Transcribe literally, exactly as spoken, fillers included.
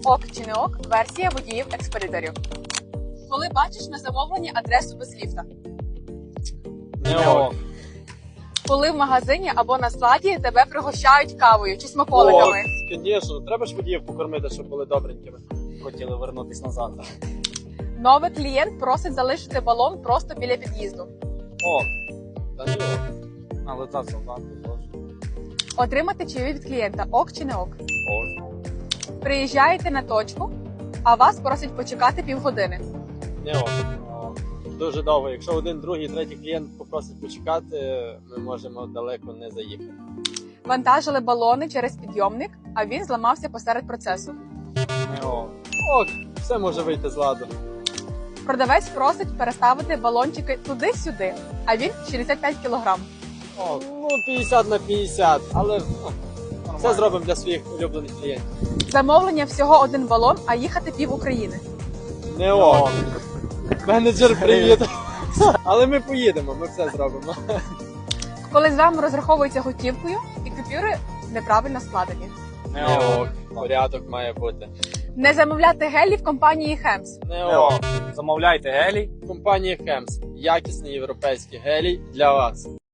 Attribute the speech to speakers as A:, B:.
A: Ок чи не ок, версія водіїв-експедиторів. Коли бачиш на замовленні адресу без ліфта.
B: Не ок.
A: Коли в магазині або на складі тебе пригощають кавою чи смаколиками.
B: Звісно, треба ж водіїв покормити, щоб були добренькими.
C: Хотіли вернутися назад.
A: Новий клієнт просить залишити балон просто біля під'їзду.
C: О,
B: Та не ок.
C: але та солдати теж.
A: Отримати чаєві від клієнта. Ок чи не ок.
C: О,
A: Приїжджаєте на точку, а вас просять почекати півгодини.
B: Не ок.
C: о,
B: Дуже довго. Якщо один, другий, третій клієнт попросить почекати, ми можемо далеко не заїхати.
A: Вантажили балони через підйомник, а він зламався посеред процесу.
C: не о.
B: Ок, все може вийти з ладу.
A: Продавець просить переставити балончики туди-сюди, а він шістдесят п'ять кілограм.
C: О,
B: Ну, п'ятдесят на п'ятдесят, але ну, все
C: нормально.
B: зробимо для своїх улюблених клієнтів.
A: Замовлення всього один балон, а їхати пів України.
B: Не ок. Менеджер, привіт. Але ми поїдемо, ми все зробимо.
A: Коли з вами розраховуються готівкою і купюри неправильно складені.
C: Не
B: Не
C: о.
B: ок. Порядок має бути.
A: Не замовляти гелі в компанії Хемс.
B: Не
C: Не о.
B: ок.
C: Замовляйте гелій.
B: Компанія Хемс. Якісний європейський гелій для вас.